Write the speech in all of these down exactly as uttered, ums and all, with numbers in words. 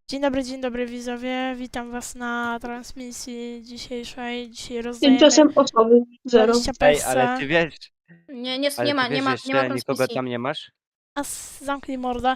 Dzień dobry, dzień dobry widzowie, witam was na transmisji dzisiejszej. Dzisiaj rozdajemy Tymczasem osoby zero. dwadzieścia Ej, ale pesa. ty wiesz, Nie, nie, ale nie ma, ty wiesz, nie ma, że nie ma jeszcze nikogo transmisji. tam nie masz? A s- zamknij morda.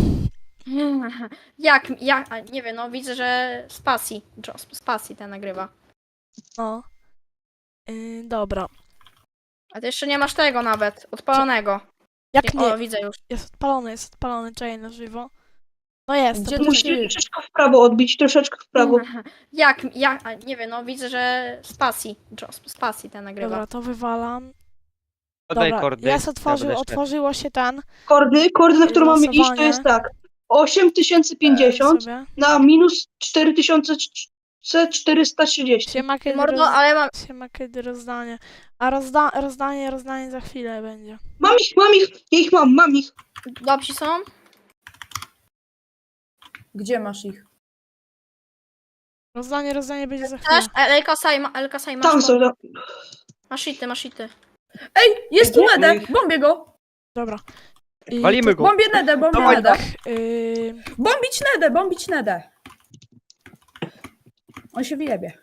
Jak, jak, a, nie wiem, no widzę, że z pasji, Jo- z pasji ten nagrywa. No. Yy, dobra. A ty jeszcze nie masz tego nawet, odpalonego. Jak Nie, o, nie? widzę już. Jest odpalony, jest odpalony, czekaj na żywo. No jest, Gdzie to musicie poczekaj. troszeczkę w prawo odbić, troszeczkę w prawo. Jak, jak, a, nie wiem, no widzę, że z pasji, Jo- z pasji ten nagrywa. Dobra, to wywalam. Podaj Dobra, kordy. jest ja otworzył, będę szedł. otworzyło się ten. Kordy, kordy, na którą mamy iść, to Losowanie. jest tak. osiem tysięcy pięćdziesiąt Sobie. na minus cztery tysiące czterysta trzydzieści. Siema kiedy, Mordo, roz... ale mam, Siema kiedy rozdanie. A rozda... rozdanie, rozdanie za chwilę będzie. Mam ich, mam ich, ja ich mam, mam ich. dobrzy są? Gdzie masz ich? Rozdanie, rozdanie będzie za chwilę. Też? Elka Sajma, Elka Sajma, Tam masz, są, tam. masz ity, masz ity. Ej, jest tu Gdzie? Nede! Bombię go! Dobra. I Walimy go. Bombię Nede, bombię Dawaj, Nede! Yy, Bombić Nede, bombić Nede! On się wyjebie.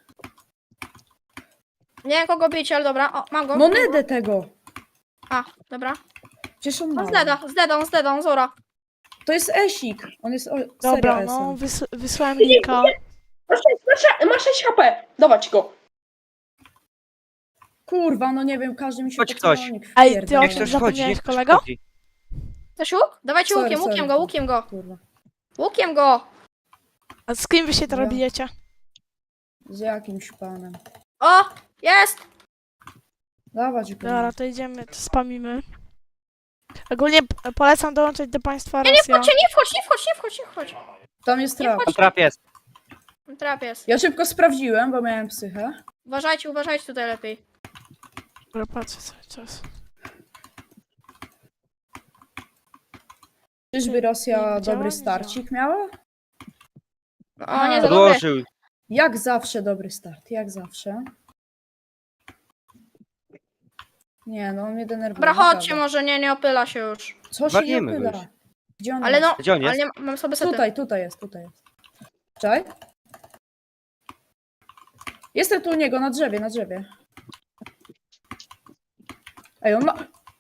Nie wiem kogo bić, ale dobra, o, mam go. No Nede tego! A, dobra. Przecież on ma. On z Deda, z Dedą, z Dedą, Zora. To jest Esik. On jest o, dobra, serio no esem. wys wysłałem linka. Masz, masz, masz sześć H P, dawać go. Kurwa, no nie wiem, każdy mi się Chodź podsumował, ktoś. nie Ej, ty wpierdala. o Niech tym ktoś chodzi, zapomniałeś, niech ktoś kolego? chodzi. Chcesz łuk? Dawajcie Sorry, łukiem, sorry. łukiem go, łukiem go. Kurwa. Łukiem go. A z kim wy się teraz Ja. bijecie? Z jakimś panem. O, jest. Dawać go. Dobra, to idziemy, to spamimy. Ogólnie p- polecam dołączyć do państwa Nie, nie Rosja. wchodźcie, nie wchodź, nie wchodź, nie wchodź, nie wchodź. Tam jest trap. Tam trap jest. Trap jest. Ja szybko sprawdziłem, bo miałem psychę. Uważajcie, uważajcie tutaj lepiej. Dobra, patrzę cały czas. Czyżby Rosja nie działa? dobry Nie starcik miała? O, nie za dobre. Podłożył. Jak zawsze dobry start, jak zawsze. Nie, no on mnie denerwuje. Dobra, chodźcie, naprawdę. może nie, nie opyla się już. Co się nie Walniemy go opyla? już. Gdzie on Ale jest? no, Gdzie on ale jest? nie, mam sobie sety. Tutaj, tutaj jest, tutaj jest. Czaj. Jestem tu u niego, na drzewie, na drzewie. Ej, on ma...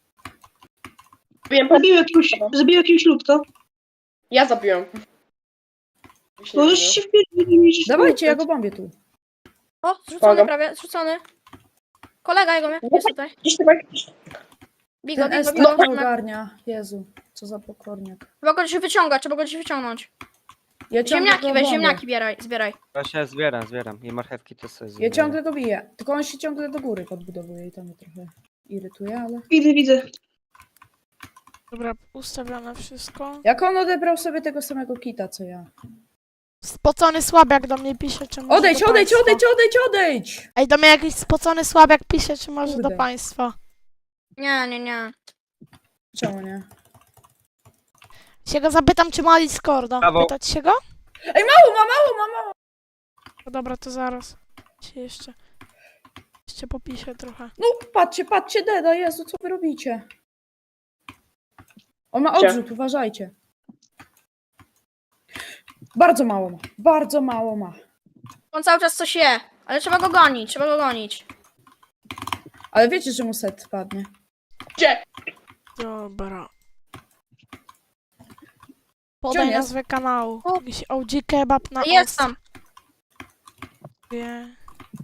Zabił jakiegoś, zabił jakiegoś ludka. Ja zabiłem. Możesz się wpierdzić. Dawajcie, ja go bombię tu. O, zrzucony Pomagam. prawie, zrzucony. Kolega jego mnie, jest tutaj. Gdzieś chyba... Bigo, Ten S bigo, tak nie bigo. ogarnia. Jezu, co za pokorniak. Trzeba go gdzieś wyciągać, trzeba go gdzieś wyciągnąć. Ja ciągle Ziemniaki go weź, bombię. ziemniaki bieraj, zbieraj. Właśnie zbieram, zbieram. I marchewki to sobie Ja zbieram. ciągle go biję. Tylko on się ciągle do góry podbudowuje i to mnie trochę irytuje, ale... Widzę, widzę. Dobra, ustawione wszystko. Jak on odebrał sobie tego samego kita, co ja. Spocony słabiak do mnie pisze, czy może Odejdź, do odejdź, państwa. odejdź, odejdź, odejdź! Ej, do mnie jakiś spocony słabiak pisze, czy może Kurde. do państwa. Nie, nie, nie. Czemu nie? Się go zapytam, czy ma Discorda. Brawo. Pytać się go? Ej, mało ma, mało ma, mało! No dobra, to zaraz. Się jeszcze... Jeszcze popiszę trochę. No, patrzcie, patrzcie, Deda, Jezu, co wy robicie? On ma Gdzie? odrzut, uważajcie. Bardzo mało ma, bardzo mało ma. On cały czas coś je, ale trzeba go gonić, trzeba go gonić. Ale wiecie, że mu set padnie. Gdzie? Dobra. Gdzie Podaj on jest? nazwę kanału. O. Jakiś O G Kebab na Jest tam. ostwie.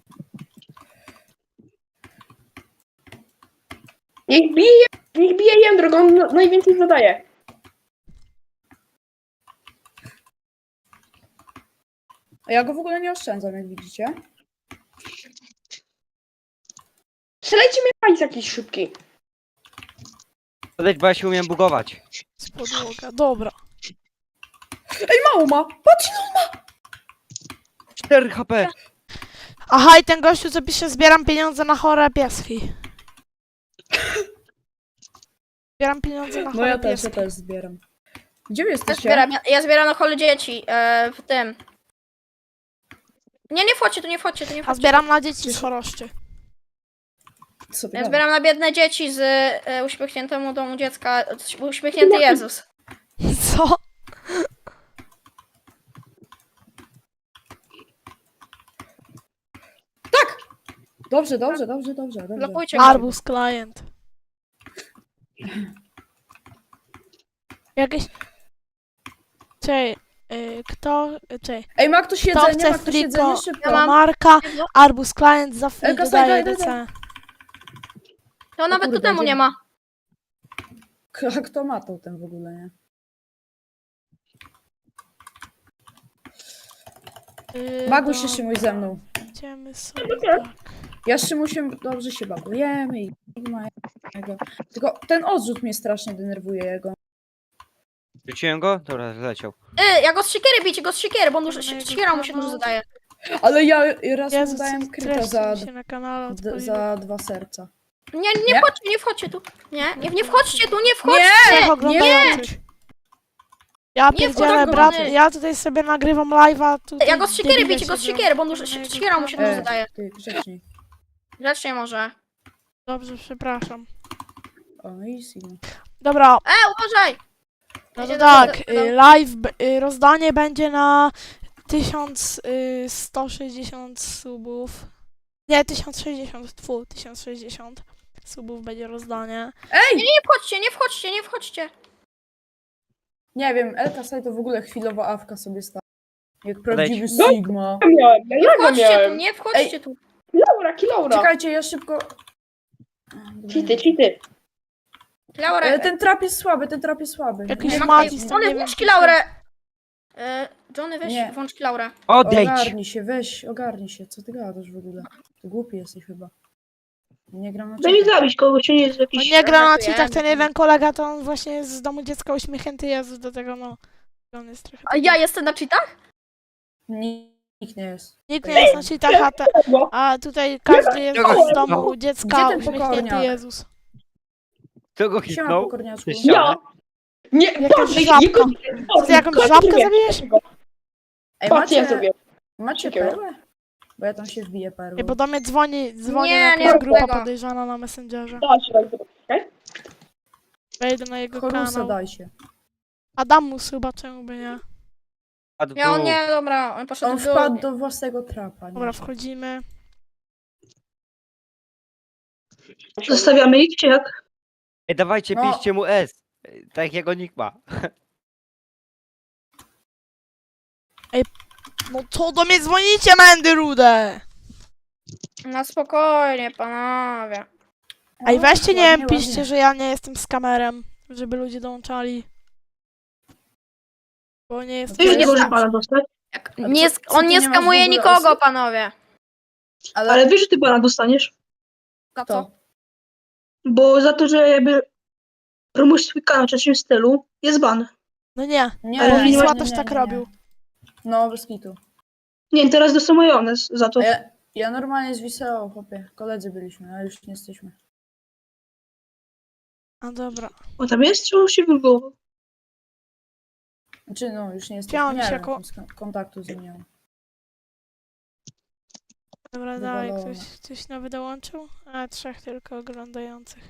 Niech bije, niech bije Jędrok, on na- najwięcej zadaje. A ja go w ogóle nie oszczędzam, jak widzicie. Strzelajcie mnie hajs jakiś szybki. Podejdź, bo ja się umiem bugować. Z podłoga. Dobra. Ej, mało ma! Patrz, cztery H P. Aha, i ten gościu, co pisze, zbieram pieniądze na chore pieski. Zbieram pieniądze na no chore ja też, pieski. ja też zbieram. Gdzie wy Ja jesteście? zbieram, ja, ja zbieram na chole dzieci, e, w tym. Nie, nie wchodźcie, tu nie wchodźcie, tu nie A wchodźcie. zbieram na dzieci z choroszczy. Co ty Ja gadasz? zbieram na biedne dzieci z e, uśmiechniętemu domu dziecka, uśmiechnięty Jezus. Co? Dobrze, dobrze, dobrze, dobrze, dobrze. Blokujcie go. Arbus client. Jakieś... Czej, y, kto... Czej, Ej, ma ktoś kto jedzenie, chce ma ktoś jedzenie, friko szybko. Ja mam. Marka, Arbus client za free Elka, dodaje daj, daj, D C. To nawet kurde, totemu gdzie- nie ma. A kto ma to ten w ogóle, nie? Y, Baguj się, dobra, Szymuś, ze mną. Idziemy sobie tak. Ja z Szymusiem dobrze się bagujemy i nie ma jego. Tylko ten odrzut mnie strasznie denerwuje jego. Rzuciłem go? Dobra, zleciał. Yy, ja go z siekiery bicie, go z siekiery, bo on dużo, Mojego siekiera mu się kanału. dużo zadaje. Ale ja raz mu Jezus, dałem kryta treści za, mi się na kanale d- odpaliły. za dwa serca. Nie, nie, Nie? wchodźcie, nie wchodźcie tu. Nie, nie, nie wchodźcie tu, nie wchodźcie! Trzech oglądających. Ja Nie pierdzielę, wchodź, brat, Gordony. ja tutaj sobie nagrywam live'a, tutaj Ja go z siekiery debile bicie, go z siedzą. siekiery, bo on dużo, Na jego siekiera mu się dużo kanale. E, zadaje. ty, grzeczniej. Grzecznie może. Dobrze, przepraszam. O, easy. no. Dobra, E, uważaj! no to Idzie do- tak, do- do- y, live, b- y, rozdanie będzie na tysiąc sto sześćdziesiąt subów. Nie, tysiąc sześćdziesiąt, tfu, tysiąc sześćdziesiąt subów będzie rozdanie. Ej! Nie wchodźcie, nie wchodźcie, nie wchodźcie. Nie wiem, Elka sobie to w ogóle chwilowo awka sobie stała. Jak prawdziwy No. Sigma. Ja miałem, ja Nie jaga wchodźcie tu, miałem. nie wchodźcie tu. Kilaura, kilaura. Czekajcie, ja szybko... Cheaty, cheaty. Laura, E, ten trap jest słaby, ten trap jest słaby. Jakiś Nie, Ma- Matis, tam Johnny, nie wiem, włącz czy Kilaurę! E, Johnny, weź, Nie. włącz Kilaurę. Odejdź! Ogarnij się, weź, ogarnij się. Co ty gadasz w ogóle? Ty głupi jesteś chyba. Nie gram na Daj mi czekach. zabić kogoś, czy nie jest On jakiś... nie gra na Żartuję. cheatach, ten jeden kolega, to on właśnie jest z domu dziecka uśmiechnięty Jezus, do tego no... On jest trochę... A ja jestem na cheatach? Nikt nie jest. Nikt nie jest na cheatach, a, te, a tutaj każdy jest Czego? z domu dziecka Gdzie ten uśmiechnięty pokorniak? Jezus. Kto go Siema, hitnął? pokorniaczku. Ty ścianę? Ja. Nie, Jakaś patrz, żabka. jego... Co ty, jakąś żabkę zabijesz? Ej, Patrz, ja macie, zrobię. macie Takiego. perłę? Bo ja tam się wbiję perłą. Ej, bo do mnie dzwoni, dzwoni Nie, jakaś nie grupa tego. podejrzana na Messengerze. Da się tak zrobić, okej? Wejdę na jego Chorusa kanał. dajcie. Adamus chyba, czemu by nie? Padł Ja on tu. nie, dobra, on poszedł On w dół. wpadł do własnego trapa. Nie? Dobra, wchodzimy. Zostawiamy ich, czy jak? Ej, dawajcie, No. piszcie mu S. Tak jak jego nick ma. No co do mnie dzwonicie, Mendy Rude? Na spokojnie, panowie. Ej, O, weźcie, nie ładnie, wiem, piszcie, ładnie. że ja nie jestem z kamerem, żeby ludzie dołączali. Bo nie jestem... Ty już nie nie możesz tak. pana dostać. Jak, A nie, co- sk- co on ty nie nie masz w skamuje ogóle nikogo, osób? panowie. Ale, Ale wiesz, że ty pana dostaniesz? Za to. co? Bo za to, że jakby promujesz swój kanał w czymś stylu, jest ban. No nie, Nie, Ale bo Wisła nie, też tak nie. robił. No, bez kitu. Nie, teraz dostaną majonez za to. A ja, ja normalnie z Wiseo, chłopie. Koledzy byliśmy, a już nie jesteśmy. A dobra. O, tam jest, czy on się wywołał? Znaczy, no, już nie jesteśmy. Chciałam Nie się wiem, ko- kon- kontaktu z nim nie mam. Dobra, dalej, Wywalone. ktoś, ktoś nowy dołączył? A, trzech tylko oglądających.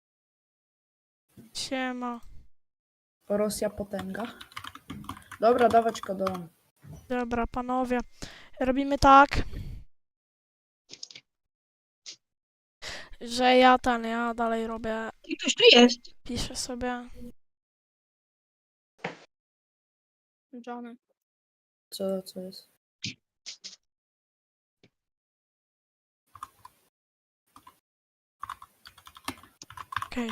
Siema. Rosja potęga. Dobra, dawać kodon. Dobra, panowie. Robimy tak, że ja ten, ja dalej robię, I ktoś tu jest. piszę sobie. Johnny. Co, co jest? Okej.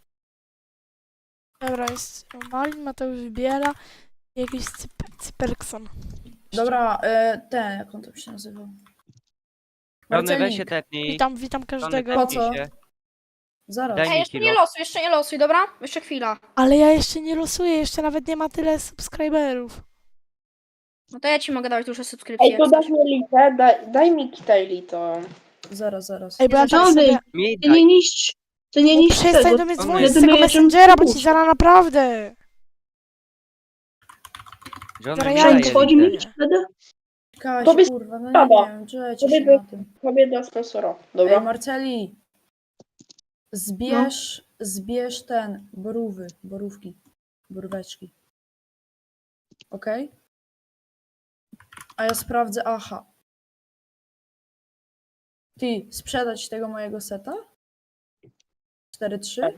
Dobra, jest Malin, Mateusz Biela i jakiś cyp- Cyperkson. Dobra, e, ten, jak on tam się nazywał? Johnny, weź się Marcelik, tepnij. Witam, witam Johnny, każdego. Po tepnij co? się. zaraz. Daj Ej, mi jeszcze kilo. nie losuj, jeszcze nie losuj, dobra? Jeszcze chwila. Ale ja jeszcze nie losuję, jeszcze nawet nie ma tyle subskryberów. No to ja ci mogę dawać duże subskrypcje. Ej, jak to chcesz. dasz mi litę, daj, daj mi kitej to. Zaraz, zaraz. Ej, bo ja Jezu, tak Johnny, sobie... Mi Ty daj. nie niszcz. Ty nie No niszcz przestań tego. do mnie Johnny. dzwonić z Ja tego думаю, że Messengera, bo ci muszę. zaraz naprawdę. Johnny, Zaraz mi ja daje idę. Wchodzi litę. mi wtedy? Kaś, Tobie kurwa, no spada. nie wiem, czekajcie Tobie się by- na tym. Tobie do sponsora. Ej, Dobra. Marceli, zbierz, zbierz ten, borówy, borówki, boróweczki. Okej? A ja sprawdzę, aha. Ty, sprzedać tego mojego seta? cztery trzy?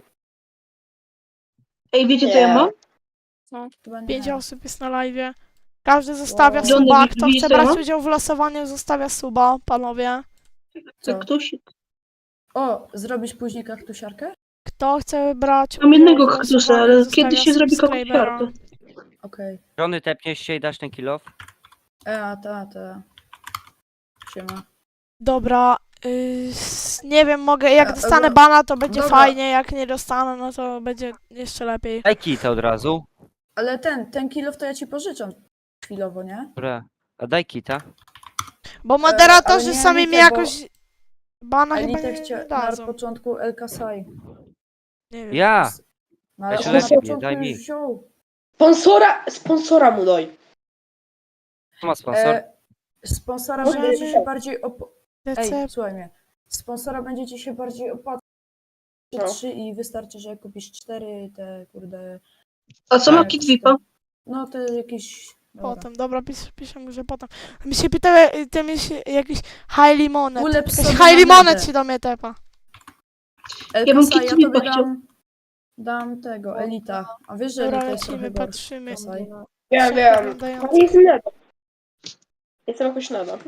Ej, wiecie co Nie. ja mam? Chyba nie. Pięć osób jest na live. Każdy zostawia Wow. suba. Johnny, Kto widzisz, chce co ja brać mam? udział w losowaniu, zostawia suba, panowie. Co? Ktoś... O, zrobić później kaktusiarkę? Kto chce brać Mam udział jednego w kaktusa, losowaniu, ale zostawia kiedy się zrobi subskrybera. kaktusiarkę? Okej. Johnny, tepniesz się i dasz ten kill off? E, a ta, ta. Siema. Dobra, y, s- nie wiem, mogę, jak E, dostanę e, bana, to będzie dobra. fajnie, jak nie dostanę, no to będzie jeszcze lepiej. Daj kita od razu. Ale ten, ten kilof to ja ci pożyczam chwilowo, nie? Dobra. A daj kita. Bo moderatorzy ale nie sami mi Elitę, bo jakoś bana chyba Elitę nie, chcia... nie na dadzą. początku El Kasai. Nie wiem. Ja! No ale Ja się on na lepiej, początku daj już mi. wziął. Sponsora, sponsora mu daj. Kto ma sponsor? E, sponsora Może będzie ci nie. się bardziej op... Ej, Decep, słuchaj mnie. Sponsora będzie ci się bardziej opłacać. No. trzy i wystarczy, że kupisz cztery te kurde... A co ma Tak. kit V I P-a? No to jakieś... Dobra. potem, dobra, pis, piszę mu, że potem. Mi się pytały, y, ty mi się jakiś high limonet. Ulep Jakiś sobie high na limonet medę. się do mnie tepa. El Ja bym Kasai, ja Kit tobie Vipa chciał. dam... Dam tego, Elita. A wiesz, że Dobra, Elita jest lecimy, trochę gorsza. patrzymy. Kasai. Ja Trzech wiem. oglądających. Ale jestem nada. Jestem jakoś nada.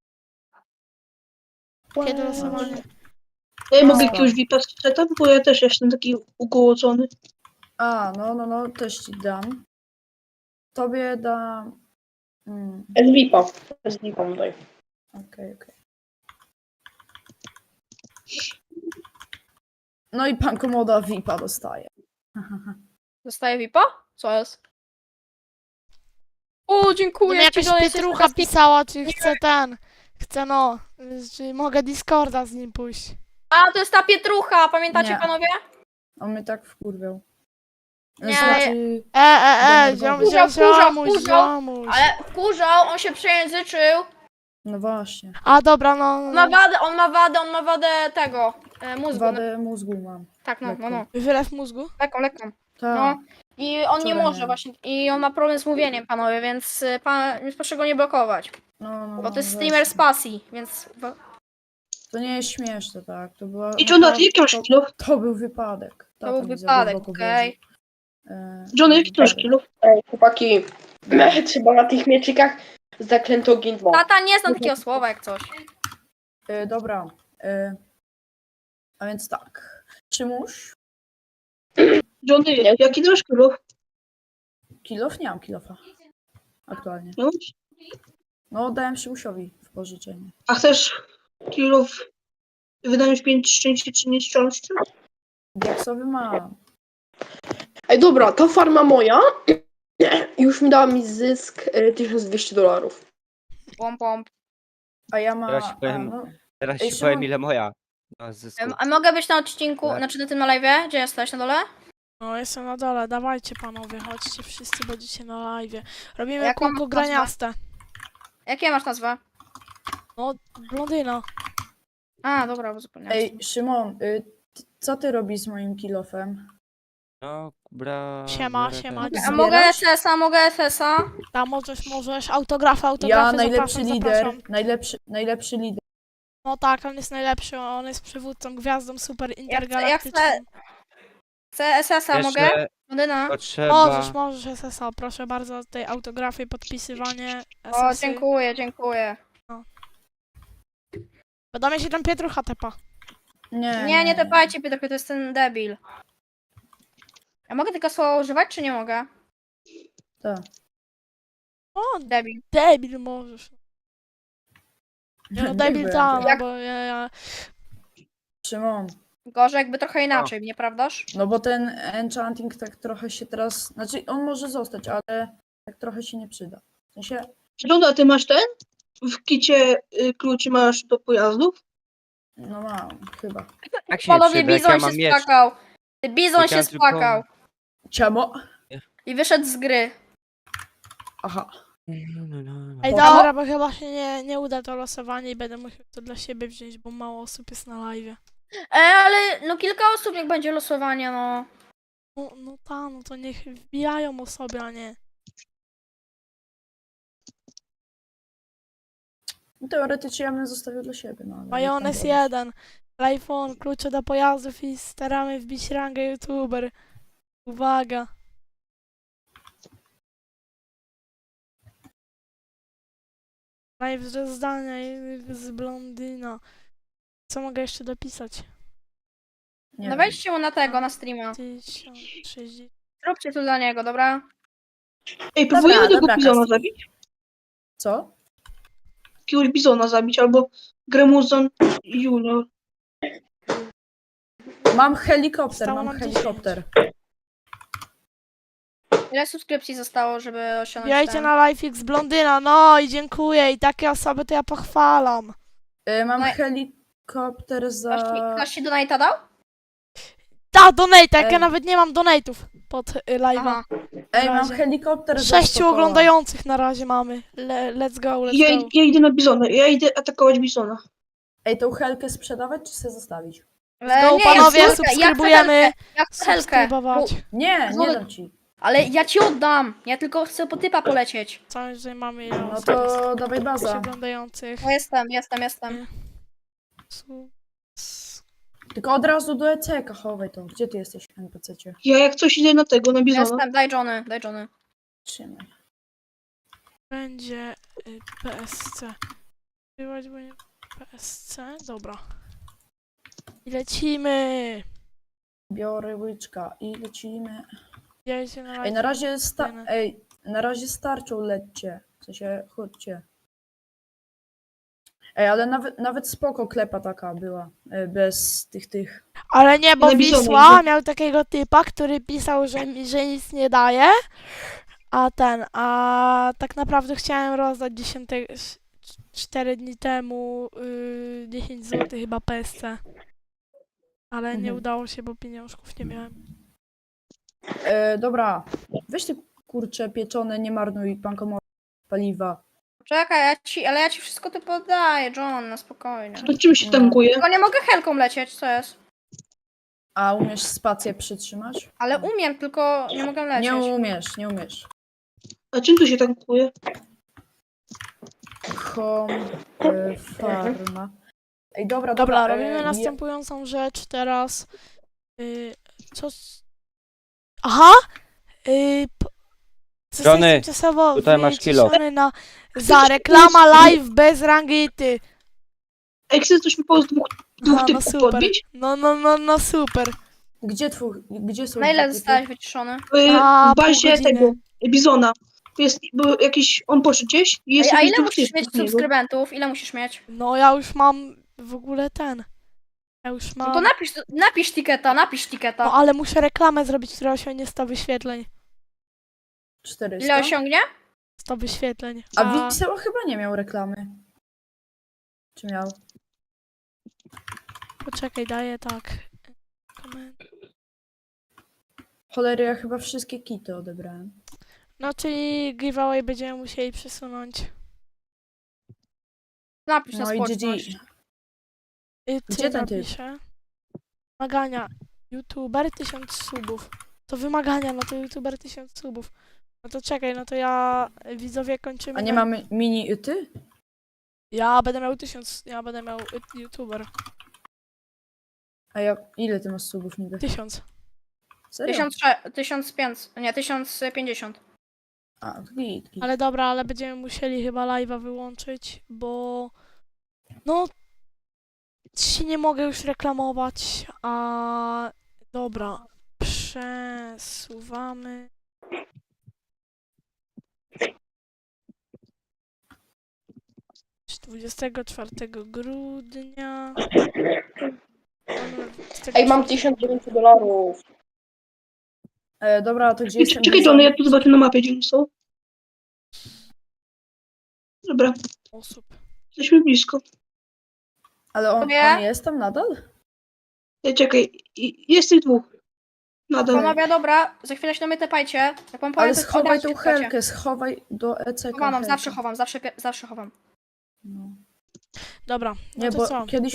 Kiedy losowanie? Ja No. mogę jakiegoś V I P-a sprzedać, bo ja też jestem taki ugołocony. A, no, no, no, też ci dam. Tobie dam... Mm, S V I P-a. S V I P-a mu daj. okej, okej. No i pan Komoda V I P-a dostaje. Dostaję V I P-a? Co jest? O, dziękuję. No, jakaś ci, Johnny, jesteś Pietrucha taka pisała, czy chce ten. Chce no, czy mogę Discorda z nim pójść. A, to jest ta Pietrucha, pamiętacie Nie. panowie? On mnie tak wkurwiał. Nie, Znaczy, E, e, e, Denerwował. ziom, Kurzał, ziom, kurzał, ziomuś, kurzał, ziomuś. Ale wkurzał, on się przejęzyczył. no właśnie. A dobra, no, On no, ma no. wadę, on ma wadę, on ma wadę tego, e, mózgu. Wadę mózgu mam. Tak, no, no, no. Wylew mózgu? Lekką, lekką. Tak. No. I on nie Wczoraj może miałem. właśnie, i on ma problem z mówieniem, panowie, więc y, pan, więc proszę go nie blokować. No, no, Bo to jest no, streamer z właśnie. pasji, więc... To nie jest śmieszne, tak. To była... I John, a to, ty jaki masz to, kilo? to był wypadek. To Tata był mi za wypadek, głęboko okej. włożył. E, John, jaki ty masz wypadek. kilo? Ej, chłopaki. Trzeba na tych mieczykach zaklęto gindmo. Tata nie zna takiego słowa jak coś. E, dobra. E, a więc tak. Szymuś, John, jaki ty masz kilo? kilof? Nie mam kilofa. Aktualnie. No? No, dałem Szymusiowi w pożyczenie. A chcesz kilo w... wydać pięć szczęścia czy nieszczęścia? Diaksowy mam. Ej, dobra, ta farma moja już mi dała mi zysk e, tysiąc dwieście dolarów. Pom, pom. A ja mam... Teraz ci powiem- A, no, Teraz Ej, ci Szymon- powiem ile moja. ma zysku. Em, A mogę być na odcinku, Tak. znaczy na tym na live? Gdzie jesteś, na dole? No, jestem na dole, dawajcie panowie, chodźcie, wszyscy będziecie na live. Robimy Jaką kółko masz graniaste. Jakie masz nazwę? No, blondyna. A, dobra, bo zapomniałem. ej, Szymon, y, t- co ty robisz z moim kilofem? No, bra... Siema, bra- siema. A zbierasz? mogę S S-a, mogę S S-a? Tam możesz, możesz, autografy, Ja autografy, najlepszy zapraszam, lider, zapraszam. najlepszy, najlepszy lider. No tak, on jest najlepszy, on jest przywódcą, gwiazdą super chcę- ja intergalaktyczną. chcę- Chcę S S-a, mogę? Jeszcze Modyna? potrzeba... Możesz, możesz S S A, proszę bardzo, tej autografy, podpisywanie, S O, S y. dziękuję, dziękuję. Bo mnie się tam Pietrucha tepa. Nie, Nie, nie tepajcie Piotrek, to jest ten debil. Ja mogę tylko słowa używać, czy nie mogę? Tak. O, Debil. debil możesz. Nie, no debil wiem. tam, no Jak- bo ja, ja... Szymon, Gorzej jakby trochę inaczej, nieprawdaż? no bo ten enchanting tak trochę się teraz, znaczy on może zostać, ale tak trochę się nie przyda. W sensie, John, a ty masz ten? W kicie y, kluczy masz do pojazdów? no mam, chyba. Jak się nie Panowie, przyda, jak Bizon ja się mam miecz? spłakał. Bizon Jak się ja tylko- spłakał. Ciamo? I wyszedł z gry. Aha. Ej, Poszło? dobra, bo chyba się nie, nie uda to losowanie i będę musiał to dla siebie wziąć, bo mało osób jest na live. E, ale no kilka osób niech będzie losowanie, no. No, no ta, no to niech wbijają osoby, a nie. No, teoretycznie ja bym zostawił dla siebie, no ale... Majonez jak tam jeden. iPhone, klucze do pojazdów i staramy wbić rangę youtuber. Uwaga. Live ze zdania i z blondyna. Co mogę jeszcze dopisać? Nie No wiem. wejdźcie mu na tego, na streama. tysiąc sześćdziesiąt. Zróbcie to dla niego, dobra? Ej, próbujemy tego dobra, bizona Kasti. zabić? Co? Jakiegoś bizona zabić, albo Gremuzon Junior. Mam helikopter, Zostało mam nam helikopter. Ile subskrypcji zostało, żeby osiągnąć Wbijajcie ten? na LifeX blondyna, no i dziękuję. I takie osoby to ja pochwalam. Y, mam No i- helikopter za... Ktoś ci, ktoś ci donate'a dał? Ta, donate, jak ja Ej. nawet nie mam donate'ów pod y, live'a. Aha. Ej, mam razie. helikopter za Sześciu sto koła. oglądających na razie mamy. Le, let's go, let's Ja, go. ja idę na bizona, ja idę atakować bizona. Ej, tą helkę sprzedawać, czy sobie zostawić? Ale Let's go, nie, ja panowie, chcę helkę, subskrybujemy. Ja chcę helkę, ja chcę helkę. Subskrybować. Bo- Nie, nie Zobacz- dam ci. Ale ja ci oddam. Ja tylko chcę po typa polecieć. Co my tutaj mamy? Ile No osób to dawaj jest baza. oglądających? No jestem, jestem, jestem. Su- s- Tylko od razu do E C K chowaj to. Gdzie ty jesteś, N P C-cie? Ja jak coś idę na tego, na bizona. Jestem, daj Johnny, daj Johnny. Trzymaj. Będzie y, P S C. Wybrać będzie P S C? Dobra. I lecimy. Biorę łyczka i lecimy. Wbijajcie na Ej, na live. razie sta... Fajne. Ej, na razie starczą lećcie. W sensie, chodźcie. Ej, ale nawet, nawet spoko klepa taka była. e, Bez tych, tych. Ale nie, bo Na bizona Wisła idę. miał takiego typa, który pisał, że, mi- że nic nie daje. A ten, a tak naprawdę chciałem rozdać dziesięć, cztery dni temu yy, dziesięć złotych chyba P S C. Ale nie Mhm. udało się, bo pieniążków nie miałem. E, dobra, weź te kurcze pieczone, nie marnuj pankomo paliwa. Czekaj, ja ci, ale ja ci wszystko tu podaję, John, na spokojnie. To czym się No. tankuje? Tylko nie mogę helką lecieć, co jest? A umiesz spację przytrzymać? Ale umiem, tylko nie mogę lecieć. Nie umiesz, nie umiesz. A czym tu się tankuje? Home e, farma. Ej, dobra, Dobra, dobra. robimy e, nie- następującą rzecz teraz. Yy, co? s- Aha! Yy, p- zostań Johnny, tymczasowo tutaj masz kilo. wyciszony na za reklama live bez rangity. Ej, chcesz coś mi po dwóch, dwóch No, no typów super. podbić? No, no, no, no super. Gdzie twój, gdzie są... Na ile typy? zostałeś wyciszony? W, A, w bazie pół godziny. tego, bizona. Tu jest, bo jakiś, on poszedł gdzieś i jest Ej, a jakiś ile dwóch musisz typów mieć z niego. subskrybentów? Ile musisz mieć? No ja już mam w ogóle ten. Ja już No mam. to napisz, napisz tiketa, napisz tiketa. No ale muszę reklamę zrobić, która osiągnie sto wyświetleń. czterysta? Ile osiągnie? sto wyświetleń. A Wisła chyba nie miał reklamy. Czy miał? Poczekaj, daję tak. Koment- Cholery, ja chyba wszystkie kity odebrałem. No czyli giveaway będziemy musieli przesunąć. Napisz na No i G G. społeczność. Y, ty Gdzie ten typ? napiszę. Wymagania. YouTuber tysiąc subów. To wymagania, no to YouTuber tysiąc subów. No to czekaj, no to ja y, widzowie kończymy. A nie na- mamy mini yty? Ja będę miał tysiąc. Ja będę miał y, YouTuber. A ja... Ile ty masz subów niby? Tysiąc. Serio? Tysiąc, sze- tysiąc pięćset, nie, tysiąc pięćdziesiąt. A, to git, git. Ale dobra, ale będziemy musieli chyba live'a wyłączyć, bo no się nie mogę już reklamować, a dobra, przesuwamy. dwudziestego czwartego grudnia. Ej, mam tysiąc dziewięćset dolarów. E, dobra, to gdzie Ej, jestem? Czekaj, Johnny, ja tu zobaczę na mapie, gdzie oni są. Dobra, osób. jesteśmy blisko. Ale on, Tobie? on jest tam nadal? Ej, czekaj, i- jest tych dwóch. Nadal. Panowie, dobra, za chwilę się do mnie tepajcie. Jak wam powiem, Ale to od schowaj razu tą się tepacie. helkę, schowaj do E C K. Chowam, helkę. zawsze chowam, zawsze, pie- zawsze chowam. No. Dobra, no Nie, to bo co? kiedyś